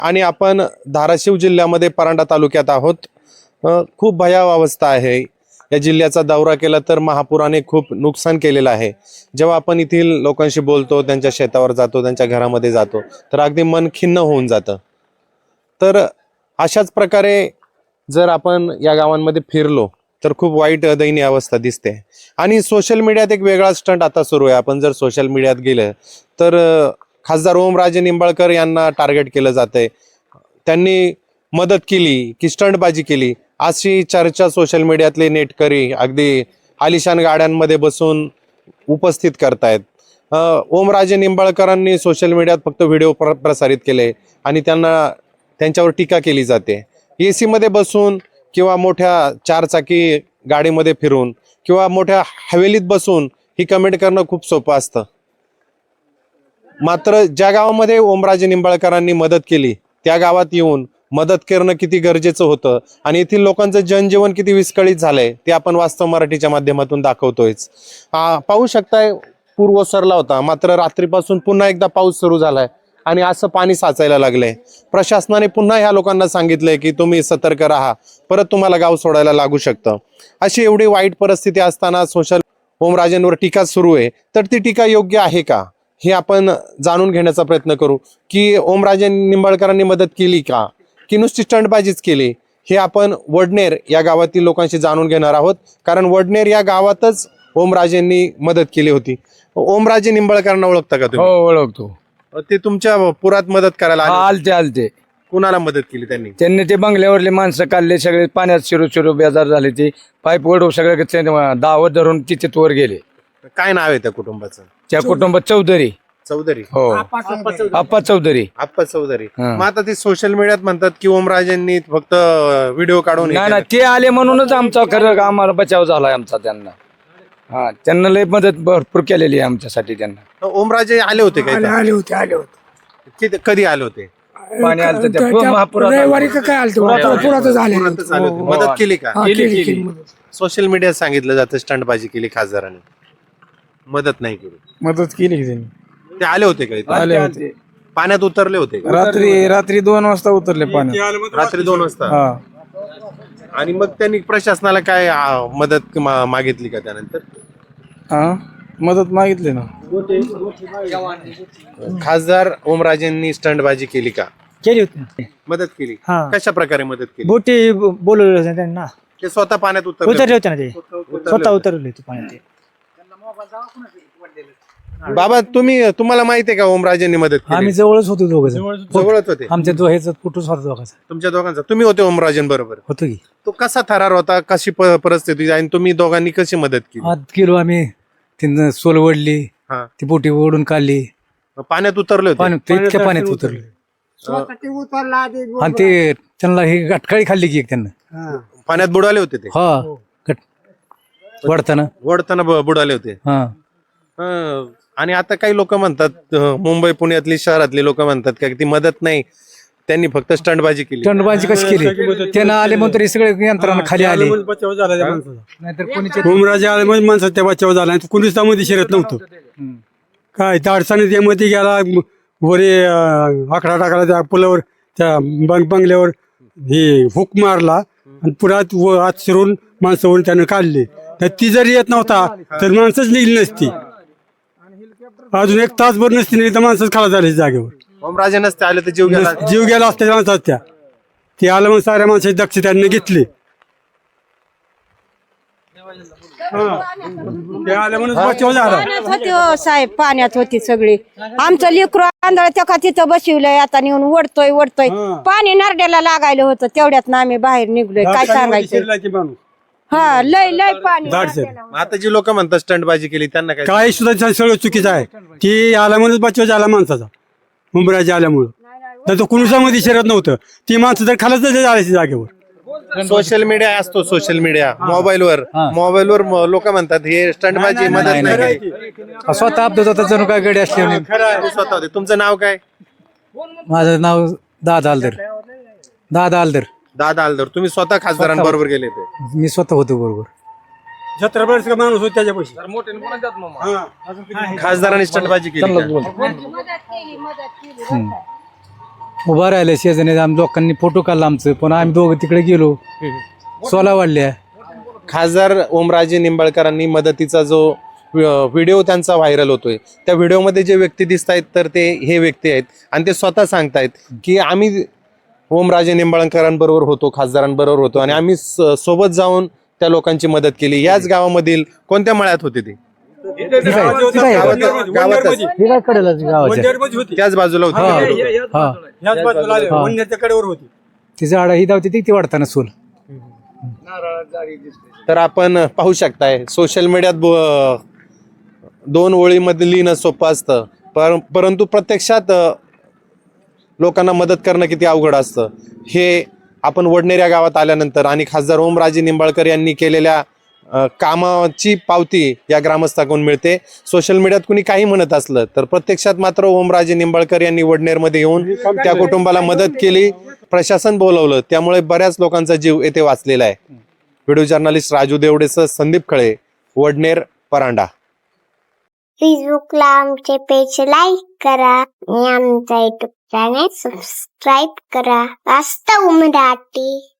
आणि आपण धाराशिव जिल्ह्यामध्ये परांडा तालुक्यात आहोत. खूप भयावह अवस्था आहे. या जिल्ह्याचा दौरा केला तर महापुराने खूप नुकसान केलेलं आहे. जेव्हा आपण येथील लोकांशी बोलतो, त्यांच्या शेतावर जातो, त्यांच्या घरामध्ये जातो, तर अगदी मन खिन्न होऊन जातं. तर अशाच प्रकारे जर आपण या गावांमध्ये फिरलो तर खूप वाईट दयनीय अवस्था दिसते. आणि सोशल मीडियात एक वेगळा स्टंट आता सुरू आहे. आपण जर सोशल मीडियात गेलं तर खासदार ओमराजे निंबाळकर यांना टार्गेट केलं जातंय. त्यांनी मदत केली की स्टंटबाजी केली अशी चर्चा सोशल मीडियातले नेटकरी अगदी आलिशान गाड्यांमध्ये बसून उपस्थित करतायत. ओमराजे निंबाळकरांनी सोशल मीडियात फक्त व्हिडिओ प्रसारित केले आणि त्यांच्यावर टीका केली जाते. AC मध्ये बसून किंवा मोठ्या चारचाकी गाडीमध्ये फिरून किंवा मोठ्या हवेलीत बसून ही कमेंट करणं खूप सोपं असतं. मात्र ज्या गावामध्ये ओमराजे निंबाळकरांनी मदत केली त्या गावात येऊन मदत करणं किती गरजेचं होतं आणि येथील लोकांचं जनजीवन किती विस्कळीत झालंय ते आपण वास्तव मराठीच्या माध्यमातून दाखवतोयच. पाहू शकताय, पूर ओसरला होता, मात्र रात्रीपासून पुन्हा एकदा पाऊस सुरू झालाय आणि असं पाणी साचायला लागलंय. प्रशासनाने पुन्हा ह्या लोकांना सांगितलंय की तुम्ही सतर्क राहा, परत तुम्हाला गाव सोडायला लागू शकतं. अशी एवढी वाईट परिस्थिती असताना सोशल ओमराजेंवर टीका सुरू आहे. तर ती टीका योग्य आहे का हे आपण जाणून घेण्याचा प्रयत्न करू. की ओमराजे निंबाळकरांनी मदत केली का की नुसती स्टंटबाजीच केली, हे आपण वडनेर या गावातील लोकांशी जाणून घेणार आहोत. कारण वडनेर या गावातच ओमराजेंनी मदत केली होती. ओमराजे निंबाळकरांना ओळखता का तुम्ही? हो ओळखतो. ते तुमच्या पुरात मदत करायला आले? आलते. कुणाला मदत केली त्यांनी ते बंगल्यावरले माणसं काढले, सगळे पाण्यात शिरू बेजार झाले. ते पाईप ओढू सगळे दावत धरून तिथे वर गेले. काय नाव आहे त्या कुटुंबाचं? त्या कुटुंबात चौधरी. हो, आप्पा चौधरी. आप्पा चौधरी. मग आता ते सोशल मीडियात म्हणतात की ओमराजेंनी फक्त व्हिडिओ काढून नाही, ते आले म्हणूनच आमचा खरं आम्हाला बचाव झालाय आमचा. त्यांना लय मदत भरपूर केलेली आहे आमच्यासाठी. त्यांना ओमराजे आले होते काय? आले होते. कधी आले होते? पाणी आलं रविवारी का काय आलं पुरातच आले. मदत केली का? केली. सोशल मीडियात सांगितलं जातं स्टंटबाजी केली खासदारांनी, मदत नाही केली. मदत केली त्यांनी. ते आले होते का इथं? आले होते. पाण्यात उतरले होते का? रात्री 2 वाजता उतरले पाण्यात. रात्री 2 वाजता. आणि मग त्यांनी प्रशासनाला काय मदत मागितली का त्यानंतर? मदत मागितली ना. खासदार ओमराजेंनी स्टंटबाजी केली का? केली होती. मदत केली. कशा प्रकारे मदत केली? बोटी बोलवले होते त्यांना. ते स्वतः पाण्यात उतरले होते ना. ते स्वतः उतरले होते पाण्यात. बाबा तुम्हाला माहिती आहे का ओमराजेंनी मदत केली? आम्ही जवळच होतो दोघं. जवळच होते आमच्या दोघांचा फोटोच होता दोघांचा. तुमच्या दोघांचा? तुम्ही होते ओमराजें बरोबर? होतो की. तो कसा थरार होता, कशी परिस्थिती आणि तुम्ही दोघांनी कशी मदत केली? आत गेलो आम्ही. तिथं सोल वडली, ती बोटी ओढून काढली. पाण्यात उतरले होते? इतक्या पाण्यात उतरले. आणि ते त्यांना ही गटकाळी खाल्ली की एक त्यांना. पाण्यात बुडाले होते ते? वडताना बुडाले होते. आणि आता काही लोक म्हणतात, मुंबई पुण्यातली शहरातली लोक म्हणतात का ती मदत नाही, त्यांनी फक्त स्टंटबाजी केली. स्टंटबाजी कशी केली? त्यांना आले म्हणून तरी सगळे यंत्रणा खाली आले. नाहीतर कोणी ओमराजे आले म्हणजे माणसाचा बचाव झाला. कुणीच त्यामध्ये शिरत नव्हतं. काय त्या अडचणीत त्यामध्ये गेला, वरे आकडा टाकला त्या पुलावर, त्या बंगल्यावर हे हुक मारला आणि पुरात आत शिरून माणसावर त्यानं काढले. तर ती जरी येत नव्हता तर माणसंच निघली नसती. अजून 1 तासभर नसती नाही तर माणसंच खाला झाले जागेवर. ओमराजे नसते आले तर जीव गेला असता माणसात. ते आलं मग साऱ्या माणसाची दक्ष त्यांनी घेतली. साहेब पाण्यात होती सगळी. आमचं लेकरू आंधळ त्या तिथं बसवलंय, आता नेऊन वडतोय. पाणी नरड्याला लागायला होतं, तेवढ्यात ना आम्ही बाहेर निघलोय. काय सांगायचं? लय पाणी. आता जी लोक म्हणतात स्टंटबाजी केली त्यांना काय सुद्धा सगळं चुकीचं आहे. ती आल्यामुळेच बचाव झाला माणसाचा, ओमराजे आल्यामुळं. तर तो कुणसामध्ये शिरत नव्हतं. ती माणसं तर खालच झाली जागेवर. सोशल मीडिया असतो, सोशल मीडिया मोबाईलवर लोक म्हणतात हे स्टंटबाजी मदत नाही. स्वतः अपघात होता जणू काय गडी असली. स्वतः होते. तुमचं नाव काय? माझं नाव दादा आलदर. दादा आलदर. तुम्ही स्वतः खासदारांबरोबर गेले होते? मी स्वतः होतो बरोबर. 17 वर्ष माणूस होत त्याच्यापाशी. खासदारांनी स्टंटबाजी केली. उभा राहिले शेजारी आम्ही लोकांनी फोटो काढला आमचं, पण आम्ही दोघं तिकडे गेलो, सोला वाढल्या. खासदार ओमराजे निंबाळकरांनी मदतीचा जो व्हिडिओ त्यांचा व्हायरल होतोय, त्या व्हिडिओमध्ये जे व्यक्ती दिसत आहेत तर ते हे व्यक्ती आहेत आणि ते स्वतः सांगतायत की आम्ही ओमराजे निंबाळकरांबरोबर होतो, खासदारांबरोबर होतो आणि आम्ही सोबत जाऊन त्या लोकांची मदत केली. याच गावामधील कोणत्या मळ्यात होते ते? गावातच हे काय कडेला गावाच्या त्याच बाजूला होते ते लोकं. हा ह्याच बाजूला आले, वंड्याच्या कडेवर होती. ती झाडं ही धावते ती वाढताना सोल. तर आपण पाहू शकताय सोशल मीडियात दोन ओळीमध्ये लिहिणं सोपं असतं, परंतु प्रत्यक्षात लोकांना मदत करणं किती अवघड असतं हे आपण वडनेर या गावात आल्यानंतर आणि खासदार ओमराजे निंबाळकर यांनी केलेल्या कामाची पावती या ग्रामस्थाकडून मिळते. सोशल मीडियात कुणी काही म्हणत असलं तर प्रत्यक्षात मात्र ओमराजे निंबाळकर यांनी वडनेरमध्ये येऊन त्या कुटुंबाला मदत केली, प्रशासन बोलवलं, त्यामुळे बऱ्याच लोकांचा जीव येथे वाचलेला आहे. व्हिडिओ जर्नलिस्ट राजू देवडेसह संदीप खळे, वडनेर, परांडा. फेसबुकला आमचे पेज लाईक करा आणि आमचा युट्यूब चॅनेल सबस्क्राईब करा. वास्तव मराठी.